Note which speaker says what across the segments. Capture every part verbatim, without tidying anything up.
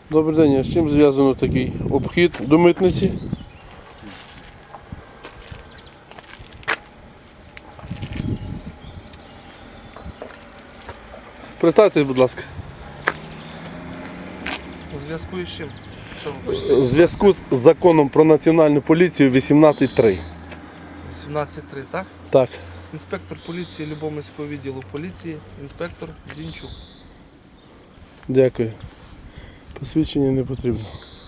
Speaker 1: Добрий день, а з чим зв'язано такий обхід до митниці? Представтесь, будь ласка.
Speaker 2: У зв'язку із чим? Що ви хочете?
Speaker 1: У зв'язку з законом про національну поліцію вісімнадцять три.
Speaker 2: сімнадцять три, так?
Speaker 1: Так.
Speaker 2: Інспектор поліції Любомльського відділу поліції, інспектор Зінчук.
Speaker 1: Дякую. Посвідчення не потрібно.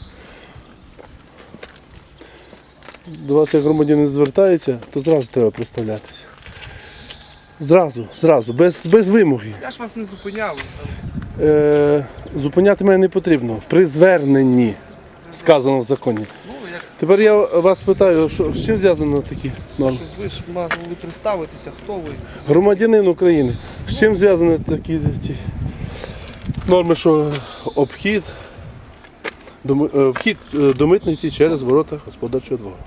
Speaker 1: До вас як громадянин звертається, то зразу треба представлятися. Зразу, зразу, без, без вимоги.
Speaker 2: Я ж вас не зупиняв.
Speaker 1: Е, зупиняти мене не потрібно. При зверненні, сказано в законі.
Speaker 2: Ну, як,
Speaker 1: Тепер я вас питаю, що, з чим зв'язано такі норми?
Speaker 2: щоб ви ж могли представитися, хто ви.
Speaker 1: Громадянин України. З чим зв'язані такі ці норми, що обхід, до, ми- е, вхід е, до митниці через ворота господарчого двору?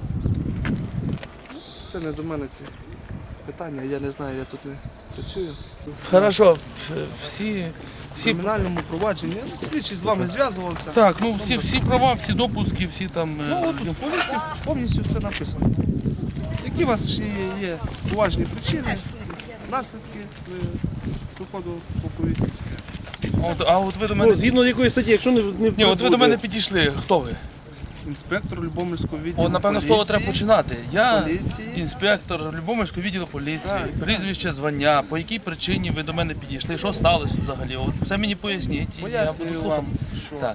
Speaker 2: Це не до мене ці питання, я не знаю, я тут не працюю.
Speaker 3: Хорошо, в- всі,
Speaker 2: В
Speaker 3: всі,
Speaker 2: кримінальному провадженні ну, слідчий з вами зв'язувався.
Speaker 3: так, ну всі, всі права, всі допуски, всі там. е,
Speaker 2: Ну, от в повісті повністю все написано. Які у вас ще є, є поважні причини, наслідки е, виходу по повістці?
Speaker 3: а от, а от ви до
Speaker 1: Ну,
Speaker 3: мене.
Speaker 1: згідно якої статті, якщо не, не
Speaker 3: Ні, от ви до
Speaker 1: буде-
Speaker 3: мене підійшли. Хто ви?
Speaker 2: Інспектор Любомльського відділу
Speaker 3: О, напевно, з
Speaker 2: поліції.
Speaker 3: того треба починати. Я
Speaker 2: Поліції.
Speaker 3: інспектор Любомльського відділу поліції,
Speaker 2: Так,
Speaker 3: прізвище, звання, по якій причині ви до мене підійшли, що сталося взагалі. От все мені поясніть. і я буду
Speaker 2: Пояснюю
Speaker 3: слухати.
Speaker 2: вам, що
Speaker 3: Так.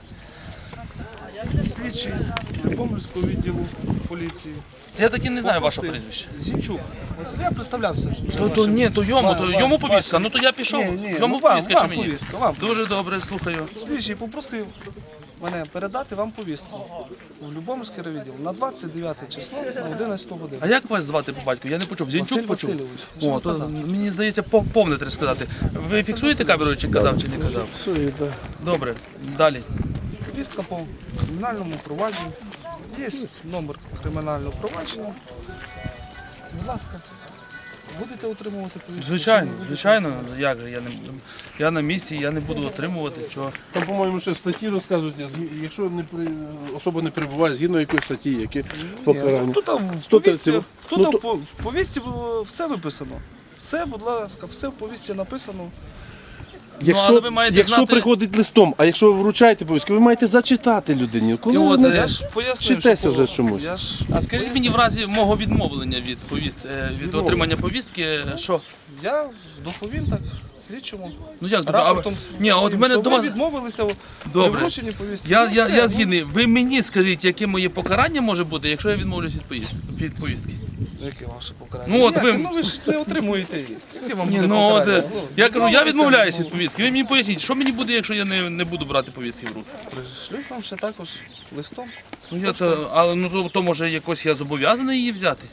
Speaker 2: слідчий Любомльського відділу поліції.
Speaker 3: Я так і не знаю
Speaker 2: попросив-
Speaker 3: ваше прізвище.
Speaker 2: Зінчук. Василь, я представлявся. вже
Speaker 3: То, то
Speaker 2: вашим.
Speaker 3: ні, то йому,
Speaker 2: Вам-
Speaker 3: то
Speaker 2: вам-
Speaker 3: йому повістка.
Speaker 2: вашим.
Speaker 3: Ну то я пішов.
Speaker 2: Ні, ні,
Speaker 3: Йому
Speaker 2: ну, вам,
Speaker 3: повістка
Speaker 2: вам
Speaker 3: чи мені?
Speaker 2: повістка, вам.
Speaker 3: Дуже добре, слухаю.
Speaker 2: Слідчий попросив мене передати вам повістку в Любомльський райвідділ на двадцять дев'яте число на одинадцяту годину.
Speaker 3: А як вас звати по батьку? Я не почув.
Speaker 2: Василь
Speaker 3: Зінчук почув.
Speaker 2: Васильович. Я
Speaker 3: О,
Speaker 2: ж
Speaker 3: то
Speaker 2: казав.
Speaker 3: мені здається, пов- повне треба сказати. Ви фіксуєте камеру, чи казав, чи не казав?
Speaker 1: Все, і так.
Speaker 3: Добре, далі.
Speaker 2: Повістка по кримінальному провадженню. Є номер кримінального провадження. Будь ласка, будете отримувати повістку?
Speaker 3: Звичайно,
Speaker 2: Чи не будете?
Speaker 3: звичайно, як же я не я на місці, я не буду отримувати чого.
Speaker 1: Там, по-моєму, ще статті розказують, згі- якщо не при... особа не перебуває згідно якоїсь статті, які
Speaker 2: Ні,
Speaker 1: покарання.
Speaker 2: ну, Тут в
Speaker 1: Сто
Speaker 2: повістці,
Speaker 1: тридцять.
Speaker 2: тут
Speaker 1: Ну, то-
Speaker 2: в по- в повістці було все виписано. Все, будь ласка, все в повістці написано.
Speaker 1: Якщо,
Speaker 3: але ви маєте
Speaker 1: якщо
Speaker 3: знати-
Speaker 1: приходить листом, а якщо ви вручаєте повістку, ви маєте зачитати людині. Коли
Speaker 3: І
Speaker 1: ви
Speaker 3: от,
Speaker 1: не-
Speaker 3: е,
Speaker 2: Я ж пояснив,
Speaker 1: вчитеся
Speaker 2: що
Speaker 1: вже
Speaker 2: було.
Speaker 1: чомусь.
Speaker 2: Я ж
Speaker 3: А скажіть мені в разі мого відмовлення від повіст е, від отримання повістки, що?
Speaker 2: Я доповім так слідчому.
Speaker 3: Ну як добре? А,
Speaker 2: Рапортом
Speaker 3: ні, а от в
Speaker 2: своїм,
Speaker 3: мене
Speaker 2: що
Speaker 3: до
Speaker 2: ви
Speaker 3: вас.
Speaker 2: відмовилися при
Speaker 3: Добре.
Speaker 2: врученні повістки.
Speaker 3: Я,
Speaker 2: Ну,
Speaker 3: я,
Speaker 2: все,
Speaker 3: я
Speaker 2: ну,
Speaker 3: згідний. Ви мені скажіть, яке моє покарання може бути, якщо я відмовлюсь від поїздки від повістки.
Speaker 2: Яке ваше покарання?
Speaker 3: Ну, от
Speaker 2: Ніяке,
Speaker 3: ви-
Speaker 2: ну ви ж не отримуєте її. Яке вам
Speaker 3: Ні,
Speaker 2: буде
Speaker 3: ну от
Speaker 2: покарання?
Speaker 3: е,
Speaker 2: Ну,
Speaker 3: я кажу, я
Speaker 2: відмовилися,
Speaker 3: відмовляюсь
Speaker 2: ну,
Speaker 3: від повістки. Ви мені поясніть, що мені буде, якщо я не, не буду брати повістки в руки.
Speaker 2: Пришлють вам ще також листом.
Speaker 3: Ну я то, але ну то, то може якось я зобов'язаний її взяти.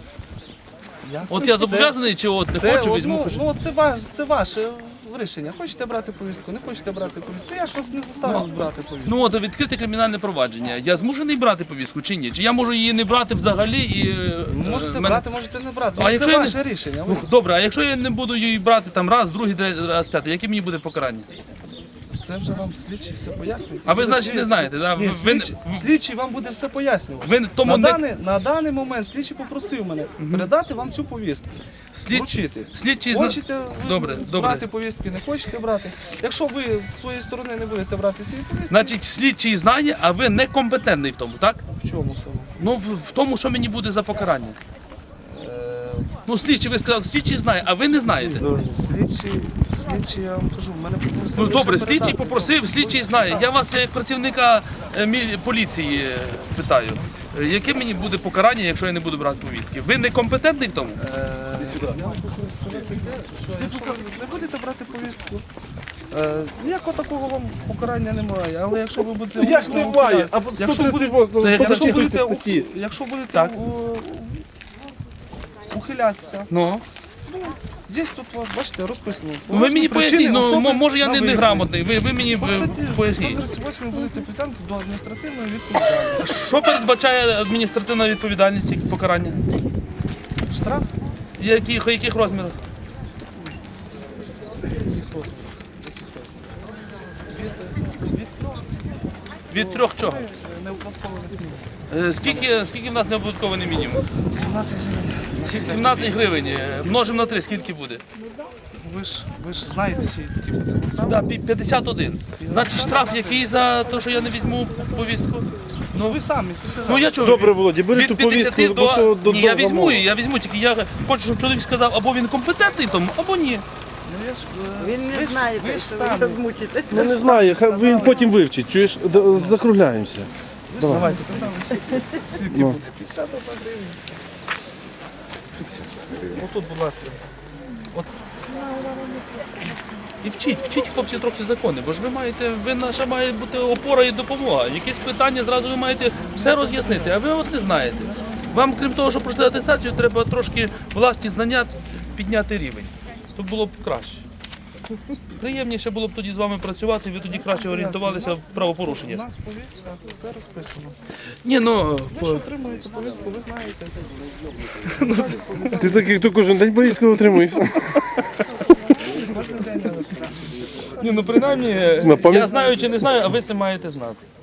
Speaker 2: Я-
Speaker 3: От я
Speaker 2: Це-
Speaker 3: зобов'язаний чи от не
Speaker 2: Це,
Speaker 3: хочу,
Speaker 2: от,
Speaker 3: візьму.
Speaker 2: ну,
Speaker 3: пишу.
Speaker 2: ну, це, ваш, це ваше рішення. Хочете брати повістку, не хочете брати повістку. Я ж вас не заставив брати повістку.
Speaker 3: Ну от відкрите кримінальне провадження. Я змушений брати повістку чи ні? Чи я можу її не брати взагалі і е,
Speaker 2: Можете
Speaker 3: мене-
Speaker 2: брати, можете не брати.
Speaker 3: А
Speaker 2: Ну,
Speaker 3: якщо
Speaker 2: це
Speaker 3: я не-
Speaker 2: ваше рішення.
Speaker 3: Ну,
Speaker 2: Ви-
Speaker 3: добре, а якщо я не буду її брати там раз, другий, третій, раз, п'ятий, яке мені буде покарання?
Speaker 2: Це вже вам слідчий все пояснить.
Speaker 3: А ви,
Speaker 2: Буде
Speaker 3: значить, не
Speaker 2: слід-
Speaker 3: знаєте, да?
Speaker 2: Ні,
Speaker 3: Ви- ви-
Speaker 2: слідчий, слідчий вам буде все пояснювати.
Speaker 3: Ви в тому
Speaker 2: на,
Speaker 3: не
Speaker 2: даний, на даний момент слідчий попросив мене передати вам цю повістку.
Speaker 3: слід...
Speaker 2: Вручити.
Speaker 3: слідчий зна...
Speaker 2: Хочете ви
Speaker 3: Добре, добре.
Speaker 2: брати повістки, не хочете брати. Якщо ви з своєї сторони не будете брати ці повістки,
Speaker 3: Значить, слідчий знає, а ви некомпетентний в тому, так?
Speaker 2: в чому саме?
Speaker 3: Ну, в, в тому, що мені буде за покарання.
Speaker 2: Е,
Speaker 3: Ну, слідчий, ви сказали, слідчий знає, а ви не знаєте.
Speaker 2: Слідчий, слідчий, я вам кажу, в мене попросили.
Speaker 3: Ну добре,
Speaker 2: ще
Speaker 3: слідчий
Speaker 2: передати.
Speaker 3: попросив, слідчий знає. Я вас як працівника е, мі- поліції е, питаю. Е, Яке мені буде покарання, якщо я не буду брати повістки? Ви некомпетентний в тому?
Speaker 2: Е, Я вам хочу сказати те, що якщо ви не будете брати повістку, е, ніякого такого вам покарання немає. Але якщо ви будете
Speaker 1: Як
Speaker 2: усно
Speaker 1: немає?
Speaker 2: ухиля-
Speaker 1: А
Speaker 2: якщо будете,
Speaker 3: Та як-
Speaker 2: якщо
Speaker 1: Якщо
Speaker 2: будете,
Speaker 1: статті.
Speaker 2: у- якщо будете
Speaker 3: Так.
Speaker 2: у- ухилятися,
Speaker 3: Ну.
Speaker 2: є тут, от, бачите, розписано.
Speaker 3: Ви мені
Speaker 2: Причини
Speaker 3: поясніть, ну
Speaker 2: особи
Speaker 3: мо- може я
Speaker 2: на
Speaker 3: не, не
Speaker 2: виїзді.
Speaker 3: грамотний, ви, ви мені
Speaker 2: По
Speaker 3: е,
Speaker 2: статті
Speaker 3: поясніть.
Speaker 2: сто тридцять восьмій будете притягнути до адміністративної відповідальності.
Speaker 3: Що передбачає адміністративна відповідальність, які покарання?
Speaker 2: Штраф?
Speaker 3: Яких, яких розмірах?
Speaker 2: Яких розмірів? Яких розмірів? Від, від трьох
Speaker 3: Від трьох чого?
Speaker 2: Неоподаткованих мінімум.
Speaker 3: Е, Скільки, скільки в нас неоподаткований мінімум?
Speaker 2: сімнадцять гривень.
Speaker 3: Сі- сімнадцять гривень. Е, Множимо на три, скільки буде?
Speaker 2: Ви ж, ви ж знаєте ці такі питання.
Speaker 3: Да, пі- п'ятдесят один. Значить, штраф який за те, що я не візьму повістку?
Speaker 2: Ну ви самі сказали.
Speaker 3: Ну я чого?
Speaker 1: Добре, Володя, бери
Speaker 3: Від
Speaker 1: ту
Speaker 3: п'ятдесят
Speaker 1: повістку,
Speaker 3: до...
Speaker 1: до, до,
Speaker 3: Ні, я
Speaker 1: до
Speaker 3: візьму
Speaker 1: замову.
Speaker 3: її, я візьму, тільки я хочу, щоб чоловік сказав, або він компетентний в тому, або ні.
Speaker 2: Ну, я ж, е,
Speaker 4: Він
Speaker 2: ви
Speaker 4: не
Speaker 2: ж-
Speaker 4: знає,
Speaker 2: ви ж
Speaker 4: що
Speaker 2: самі.
Speaker 4: ви мучите.
Speaker 1: Ну не знаю, хай він потім вивчить, чуєш, Д- закругляємося.
Speaker 2: Ви ж самі сказали, скільки, скільки
Speaker 1: Ну.
Speaker 2: буде. п'ятдесят одна гривня. Отут, будь ласка.
Speaker 3: І вчіть, вчіть, хлопці, трохи закони, бо ж ви маєте, ви наша має бути опора і допомога. Якісь питання зразу ви маєте все роз'яснити, а ви от не знаєте. Вам, крім того, що пройшли атестацію, треба трошки власні знання підняти рівень. То було б краще. Приємніше було б тоді з вами працювати, ви тоді краще орієнтувалися в
Speaker 2: У
Speaker 3: правопорушеннях.
Speaker 2: нас повістка, все розписано.
Speaker 3: Ні, ну,
Speaker 2: Ви
Speaker 3: по-
Speaker 2: ж отримуєте повістку, ви знаєте.
Speaker 1: Ти так, як то кожен день повістку отримуєшся.
Speaker 2: Кожен день.
Speaker 3: ні, ну принаймні,
Speaker 1: На пам'ять-
Speaker 3: я знаю чи не знаю, а ви це маєте знати.